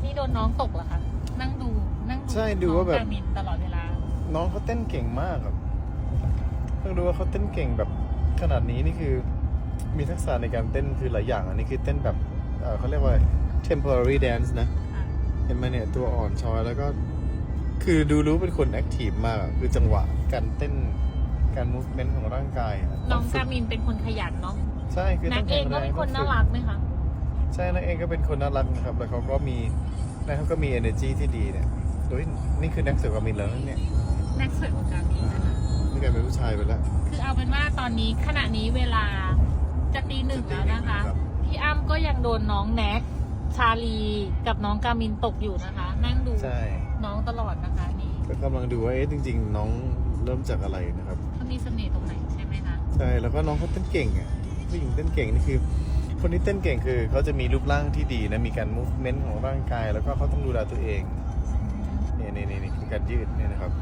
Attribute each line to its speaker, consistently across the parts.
Speaker 1: นี่โดนน้องตกเหรอคะนั่งดู
Speaker 2: ใช่ดูว่าแบบ
Speaker 1: กามินตลอดเวลา
Speaker 2: น้องเขาเต้นเก่งมากครับเพิ่งรู้ว่าเขาเต้นเก่งแบบขนาดนี้นี่คือมีทักษะในการเต้นคือหลายอย่างอันนี้คือเต้นแบบเขาเรียกว่า temporary dance นะเห็นไหมเนี่ยตัวอ่อนช้อยแล้วก็คือดูรู้เป็นคนแอคทีฟมากคือจังหวะการเต้นการ movement ของร่างกาย
Speaker 1: น้องกามินเป็นคนขยันเนาะ
Speaker 2: ใช่คือ
Speaker 1: นักเองก็เป็นคนน่ารักไหมคะ
Speaker 2: ใช่นักเองก็เป็นคนน่ารักนะครับแล้วเขาก็มีenergy ที่ดีเนี่ยโดยนี่คือนักเสือกามินแล้วเนี่ย
Speaker 1: นักสวยของกามินนะคะ
Speaker 2: นี่กลายเป็นผู้ชายไปแล้ว
Speaker 1: คือเอาเป็นว่าตอนนี้ขณะนี้เวลาจะตี 1แล้วนะคะพี่อ้ำก็ยังโดนน้องแน็กชาลีกับน้องกามินตกอยู่นะคะนั่งดูน้องตลอดนะคะนี่
Speaker 2: ก็กำลังดูว่าจริงๆน้องเริ่มจากอะไรนะครับ
Speaker 1: เขามีเสน่ห์ตรงไหนใช่ไหมคะ
Speaker 2: ใช่แล้วก็น้องเขาเต้นเก่งอ่ะผู้หญิงเต้นเก่งนี่คือคนที่เต้นเก่งคือเขาจะมีรูปร่างที่ดีนะมีการ movement ของร่างกายแล้วก็เขาต้องดูแลตัวเองนี่คือการยืดเนี่ยนะครับ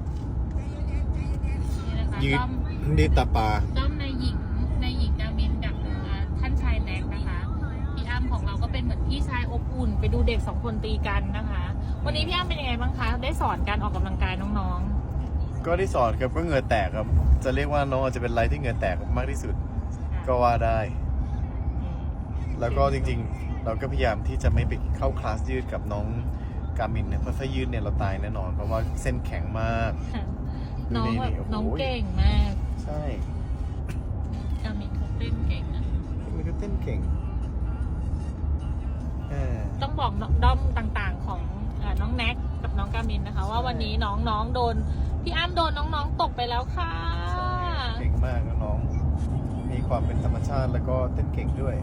Speaker 2: ยืดตาปลา
Speaker 1: ด้อมในหญิงกามินกับท่านชายแน็กนะคะพี่อ้ำของเราก็เป็นเหมือนพี่ชายอบอุ่นไปดูเด็ก2 คนตีกันนะคะวันนี้พี่อ้ำเป็นยังไงบ้างคะได้สอนการออกกำลังกายน้อง
Speaker 2: ๆก็ได้สอนครับก็เหงื่อแตกครับจะเรียกว่าน้องอาจจะเป็นไรที่เหงื่อแตกมากที่สุดก็ว่าได้แล้วก็จริงๆเราก็พยายามที่จะไม่ไปเข้าคลาสยืดกับน้องกามินเนี่ยเพราะถ้ายืดเนี่ยเราตายแน่นอนเพราะว่าเส้นแข็งมาก
Speaker 1: น้องแบบน้องเก่งมาก
Speaker 2: ใช่
Speaker 1: กามินเขาเต้นเก่งนะ
Speaker 2: มันก็เต้นเก่ง
Speaker 1: ต้องบอกด้อมต่างๆของน้องแน็กกับน้องกามินนะคะว่าวันนี้น้องโดนพี่อ้ำโดนน้องๆตกไปแล้วค่ะ
Speaker 2: เก่งมากน้องมีความเป็นธรรมชาติแล้วก็เต้นเก่งด้วย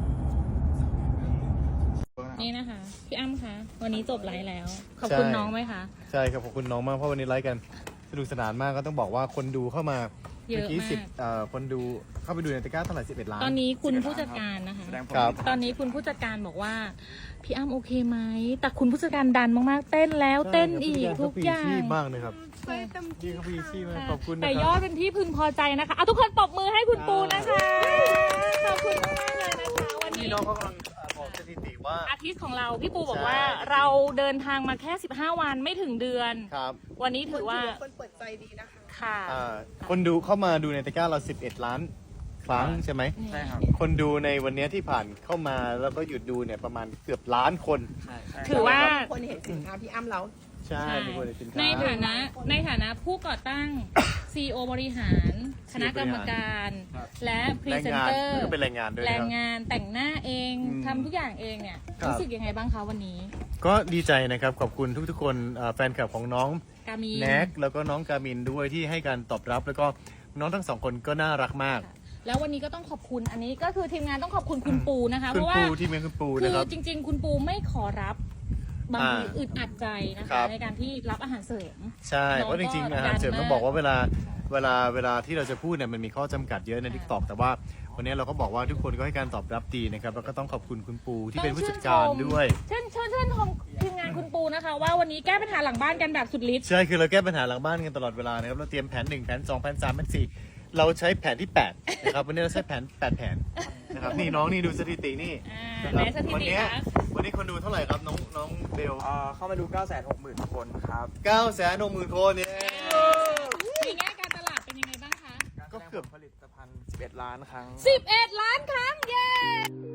Speaker 1: นี่นะคะพี่อ้ำคะวันนี้จบไลฟ์แล้วขอบคุณน้องไหมคะ
Speaker 2: ใช่ครับขอบคุณน้องมากเพราะวันนี้ไลฟ์กันสนุกสนานมากก็ต้องบอกว่าคนดูเข้ามา
Speaker 1: เยอะมาก
Speaker 2: คนดูเข้าไปดูในตะกร้าเท่าไหร่11 ล้าน
Speaker 1: ตอนนี้คุณผู้จัดการนะคะตอนนี้คุณผู้จัดการบอกว่าพี่อ้ำโอเคไหมแต่คุณผู้จัดการดันมากๆเต้นแล้วเต้นอีกทุกอย่าง
Speaker 2: มากเลยครับพี่เขาพีชี่มากขอบคุณ
Speaker 1: แต่ยอดเป็นที่พึงพอใจนะคะทุกคนตบมือให้คุณปูนะคะขอบคุณมากเลยนะคะวันนี้
Speaker 2: น้องเขากำลังบอกสถิติว่า
Speaker 1: อาทิตย์ของเราพี่ปูบอกว่าเราเดินทางมาแค่15 วันไม่ถึงเดือน
Speaker 2: ครับ
Speaker 1: วันนี้ถือว่า
Speaker 3: คนเปิดใจดีนะคะ
Speaker 1: ค่ะ
Speaker 2: คนดูเข้ามาดูในตะกร้าเรา11 ล้านครั้งใช่ไหม
Speaker 3: ใช่ครับ
Speaker 2: คนดูในวันนี้ที่ผ่านเข้ามาแล้วก็หยุดดูเนี่ยประมาณเกือบล้านคน
Speaker 1: ถือว่า
Speaker 3: คนเห็นสินค้าพี่อ้ำแล้ว
Speaker 2: ใช่มีคนเห็นสินค้า
Speaker 1: ในฐานะผู้ก่อตั้ง CEO บริหารคณะกรรมการและพรีเซนเตอร์
Speaker 2: ก็เป็นแรงงานด้วย
Speaker 1: แรงงานแต่งหน้าเองทำทุกอย่างเองเนี่ยรู้สึกยังไงบ้างคะวันนี้
Speaker 2: ก็ดีใจนะครับขอบคุณทุกๆคนแฟนคลับของน้องแน็กแล้วก็น้องกามินด้วยที่ให้การตอบรับแล้วก็น้องทั้ง2 คนก็น่ารักมาก
Speaker 1: แล้ววันนี้ก็ต้องขอบคุณอันนี้ก็คือทีมงานต้องขอบคุณคุณปูนะคะเพราะว่า
Speaker 2: ทีมงานคุณปู
Speaker 1: นะครับคือจริงๆคุณปูไม่ขอรับบางทีอึดอัดใจนะคะในการที่รับอาหารเสริม
Speaker 2: ใช่เพราะจริงๆอาหารเสริมต้องบอกว่าเวลาที่เราจะพูดเนี่ยมันมีข้อจำกัดเยอะใน TikTok แต่ว่าวันนี้เราก็บอกว่าทุกคนก็ให้การตอบรับดีนะครับแล้วก็ต้องขอบคุณคุณปูที่เป็นผู้จัดการด้วย
Speaker 1: เชิญชมทีมงานคุณปูนะคะว่าวันนี้แก้ปัญหาหลังบ้านกันแบบสุดฤทธิ์
Speaker 2: ใช่คือเราแก้ปัญหาหลังบ้านกันตลอดเวลานะครับเราเตรียมแผน1แผน2แผน3แผน4เราใช้แผนที่8นะครับวันนี้เราใช้แผน8 แผนนะครับนี่น้องนี่ดูสถิตินี่
Speaker 1: วัน
Speaker 2: นี้คนดูเท่าไหร่ครับน้องเบล
Speaker 3: เข้ามาดู 960,000 คนครับ
Speaker 2: 960,000 คนเนี่ย
Speaker 1: ในแง่การตลาดเป็นยังไงบ้างคะ
Speaker 2: ก็เกือบ
Speaker 3: ผลิตภัณฑ์11 ล้านครั้ง
Speaker 1: 11 ล้านครั้งเย้